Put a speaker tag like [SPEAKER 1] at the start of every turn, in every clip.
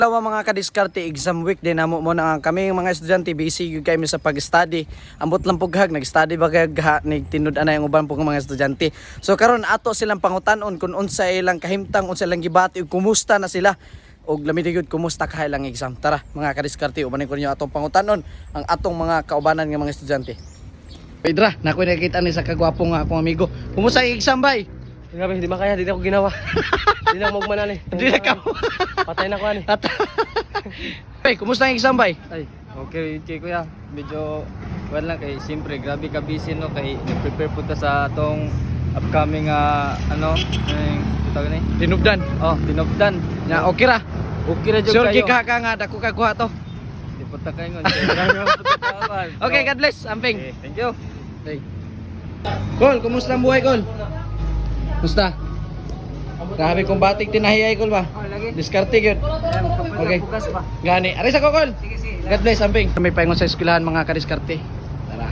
[SPEAKER 1] Hello mga kadiskarte, exam week din namo mo na kami mga estudyante busy gyud kami sa pag-study. Ambot lang pughag nag-study ba kag nigtinud ana yung uban pong mga estudyante. So karon ato silang pangutan-on kung unsa ilang kahimtang, unsa ilang gibati ug kumusta na sila. Og lamig gyud kumusta ka ilang exam. Tara mga kadiskarte, ubanin ko ninyo atong pangutan-on ang atong mga kaubanan nga mga estudyante. Pedra, nakoy nakita ni sa kagwapong akong amigo. Kumusta ang exam bay?
[SPEAKER 2] Grabe, di makaya, di na ako ginawa. Di na ako magmanan eh.
[SPEAKER 1] Di na ka.
[SPEAKER 2] Patay na ko ani.
[SPEAKER 1] Bay, kumusta ang exam bay?
[SPEAKER 2] Ay, okay kuya. Medyo well lang kay siyempre grabe ka busy no kay nag-prepare pud ta sa atong upcoming ano, tawag ni.
[SPEAKER 1] Tinubdan.
[SPEAKER 2] Oh, tinobdan.
[SPEAKER 1] Na okay ra.
[SPEAKER 2] Okay ra jud
[SPEAKER 1] Sure
[SPEAKER 2] kayo.
[SPEAKER 1] ka nga dako ka kuha to.
[SPEAKER 2] Di pud ta kayo ngon.
[SPEAKER 1] Okay, God bless. Amping.
[SPEAKER 2] Okay, thank you.
[SPEAKER 1] Hey. Kol, kumusta ang buhay, Kol? Kumusta? Grabe kong batik tinahiyay, Kol ba? Diskarte yun. Okay. Gani. Aris ako, Kol. God bless, Amping. May paingon sa eskwelahan mga kadiskarte. Tara.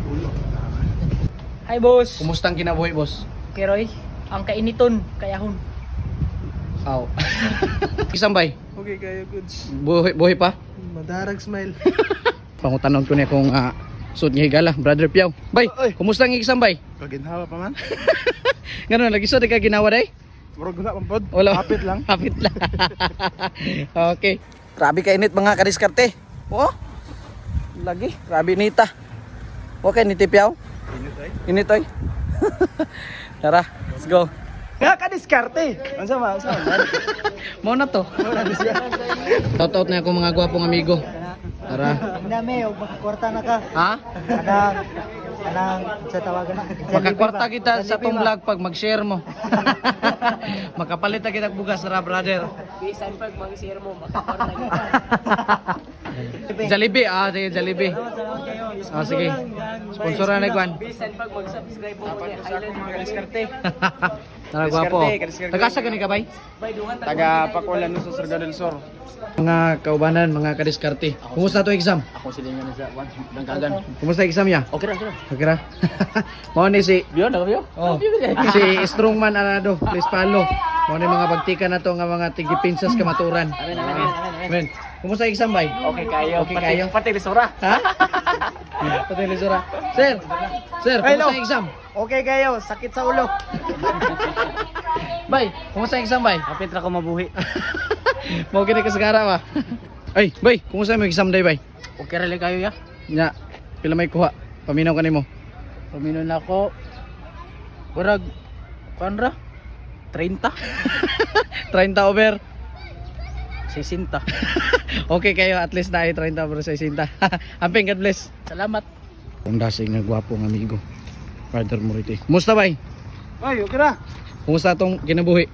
[SPEAKER 3] Hi boss.
[SPEAKER 1] Kumusta ang kinabuhi, boss?
[SPEAKER 3] Keroy, ang kainiton, kayahon.
[SPEAKER 1] Aw. Isambay.
[SPEAKER 2] Okay kayo goods.
[SPEAKER 1] Buhay pa?
[SPEAKER 2] Madarag smile.
[SPEAKER 1] Pangutanon ko niya kung suot niya higala, Brother Piaw. Bay, kumusta ang isambay?
[SPEAKER 2] Kaginhawa pa man.
[SPEAKER 1] Ganun, lagi so di ka ginawa day?
[SPEAKER 2] Murag na pampod.
[SPEAKER 1] Wala.
[SPEAKER 2] Hapit lang.
[SPEAKER 1] Hapit lang. Okay. Grabe ka init mga kadiskarte. Oh. Lagi, grabe nita. Okay, nitipiaw.
[SPEAKER 2] Init ay.
[SPEAKER 1] Init oy. Tara, let's go.
[SPEAKER 2] Nga ka diskarte. Unsa ma?
[SPEAKER 1] Mo na to. Shout out na ako mga gwapong amigo. Tara.
[SPEAKER 3] Ang dami, huwag makakwarta na ka.
[SPEAKER 1] Ha?
[SPEAKER 3] Anang, sa tawagan na.
[SPEAKER 1] Makakwarta kita sa tong vlog pag mag-share mo. Makapalit na kita bugas ra, brother.
[SPEAKER 3] Bisan pag mag-share mo, makakwarta kita.
[SPEAKER 1] Jollibee, sige, Jollibee. Sige. Sponsoran na Gwan.
[SPEAKER 3] Bisan pag mag-subscribe mo, Highland mga diskarte.
[SPEAKER 1] Tara, gwapo. Tagasa gani ka, bay?
[SPEAKER 2] Taga Pakulan no sa Surigao del Sur.
[SPEAKER 1] Mga kaubanan, mga kadiskarte. Kumusta to exam?
[SPEAKER 2] Ako silingan sa Dangkagan.
[SPEAKER 1] Kumusta exam niya?
[SPEAKER 2] Okay ra, okay ra.
[SPEAKER 1] Okay ra. Mao ni si
[SPEAKER 2] Biyo na biyo.
[SPEAKER 1] Oh, si Strongman Arado, please follow. Mao ni mga bagtika na to nga mga tigipinsas kamaturan. Amen. Kumusta exam bay?
[SPEAKER 2] Okay kayo.
[SPEAKER 1] Okay kayo?
[SPEAKER 2] Pati lisura.
[SPEAKER 1] Ha? Pati ni Sura. Sir. Sir,
[SPEAKER 2] Hello.
[SPEAKER 1] kumusta exam?
[SPEAKER 2] Okay kayo. Sakit sa ulo.
[SPEAKER 1] Bay, kumusta exam bay?
[SPEAKER 2] Kapit ra ko mabuhi.
[SPEAKER 1] Mau kini kasagara ba? Ay, bay, kumusta mo exam day bay?
[SPEAKER 2] Okay ra kayo ya.
[SPEAKER 1] Nya, pila may kuha? Paminaw kanimo.
[SPEAKER 2] Paminon ako. Murag kanra 30.
[SPEAKER 1] 30 over.
[SPEAKER 2] 60.
[SPEAKER 1] Okay kayo, at least na 30 over 60. Amping, God bless.
[SPEAKER 2] Salamat.
[SPEAKER 1] Ang dasig na gwapong amigo. Brother Morite. Kumusta bay?
[SPEAKER 2] Ay, okay ra.
[SPEAKER 1] Kumusta atong kinabuhi?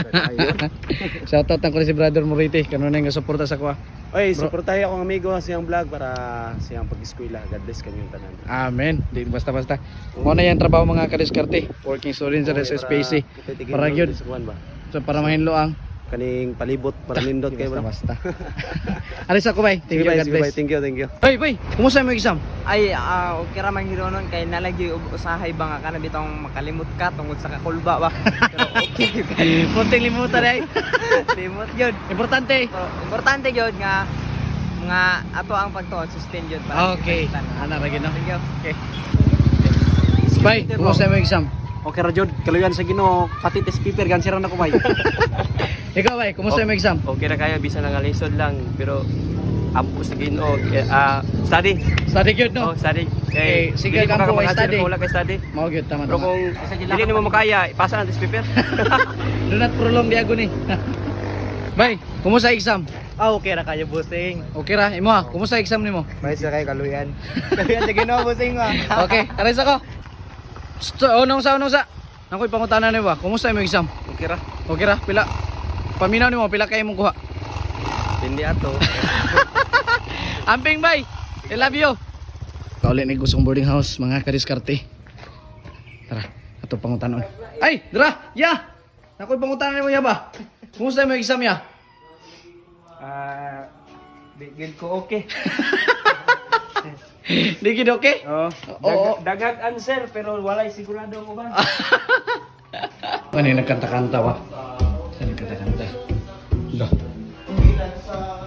[SPEAKER 1] Shoutout na ko si Brother Morite. Kanunay nga suporta sa kuha.
[SPEAKER 2] Oy,
[SPEAKER 1] Bro.
[SPEAKER 2] suportahin akong amigo siyang vlog para siyang pag-eskwela. God bless kanyang tanan.
[SPEAKER 1] Amen. Di basta-basta. Mo na yan trabaho mga kadiskarte. Working student sa SSPC. Para yun.
[SPEAKER 2] ba?
[SPEAKER 1] So para mahinlo ang
[SPEAKER 2] Kaning palibot para nindot kayo bro.
[SPEAKER 1] basta. Alis ako bay. Thank you, God bless.
[SPEAKER 2] Thank you, thank you.
[SPEAKER 1] Bay, bay. Kumusta mo exam?
[SPEAKER 3] Ay, okay ra man hiro nun, kay nalagi usahay ba nga ka na bitong makalimot ka tungod sa kakulba ba. Pero okay kay.
[SPEAKER 1] Munting limutan ay.
[SPEAKER 3] Limot yun.
[SPEAKER 1] Importante.
[SPEAKER 3] So, importante yun nga ato ang pagtuon sustain yun para
[SPEAKER 1] Okay.
[SPEAKER 3] kita na.
[SPEAKER 1] Ana ra gino.
[SPEAKER 3] Thank you. Okay.
[SPEAKER 1] Bay, kumusta mo exam?
[SPEAKER 2] Okay ra jud, kaluyan sa Ginoo, pati test paper gan sira na ko bay.
[SPEAKER 1] Ikaw bay, kumusta mo exam?
[SPEAKER 2] Okay ra kayo bisan nga lisod lang pero ampo sa Ginoo study.
[SPEAKER 1] Study good no?
[SPEAKER 2] Study.
[SPEAKER 1] Eh, sige,
[SPEAKER 2] dili ko
[SPEAKER 1] kampo,
[SPEAKER 2] ka
[SPEAKER 1] study.
[SPEAKER 2] Wala kay study.
[SPEAKER 1] Mao gyud tama
[SPEAKER 2] Pero
[SPEAKER 1] tama.
[SPEAKER 2] kung dili nimo makaya, ipasa ang test paper.
[SPEAKER 1] Do not prolong the agony. Bay, kumusta exam?
[SPEAKER 2] Okay ra kayo bossing.
[SPEAKER 1] Okay ra, imo ha. Kumusta exam nimo?
[SPEAKER 2] May sa kay kaluyan. Kaluyan sa Ginoo bossing wa.
[SPEAKER 1] Okay, aris ako. Unong sa. Nakoy pangutanan ni ba? Kumusta imong exam?
[SPEAKER 2] Okay ra.
[SPEAKER 1] Okay ra, pila? Paminaw nimo pila kay imong kuha?
[SPEAKER 2] Hindi ato.
[SPEAKER 1] Amping bay. I love you. Kauli ni gusong boarding house mga kadiskarte. Tara, ato pangutanon. Ay, dira. Ya. Nakoy pangutanan nimo ya ba? Kumusta imong exam ya?
[SPEAKER 2] Bigil ko okay.
[SPEAKER 1] Di gid okay?
[SPEAKER 2] Oh.
[SPEAKER 1] Oo.
[SPEAKER 2] Dagag answer pero walay sigurado ko ba?
[SPEAKER 1] Ano yung nagkanta-kanta ba? Saan nagkanta-kanta? Dah.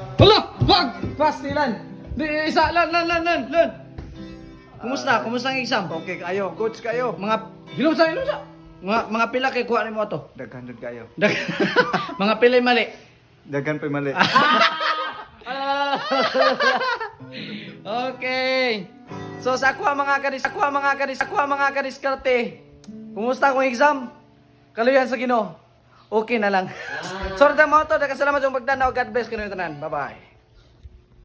[SPEAKER 1] Wag! Pastilan! Di, isa, lan. Kumusta? Kumusta ang exam?
[SPEAKER 4] Okay kayo, coach kayo.
[SPEAKER 1] Mga, hilumsa. Mga pila kay kuha ni mo to.
[SPEAKER 4] Daghan jud kayo.
[SPEAKER 1] Mga pilay mali.
[SPEAKER 4] Daghan pa mali.
[SPEAKER 1] Okay. So sa ako mga kadiskarte. Kumusta akong exam? Kaluyan sa Ginoo. Okay na lang. Sorry ta mo to, daghang salamat sa pagtanaw. God bless kayo tanan. Bye-bye.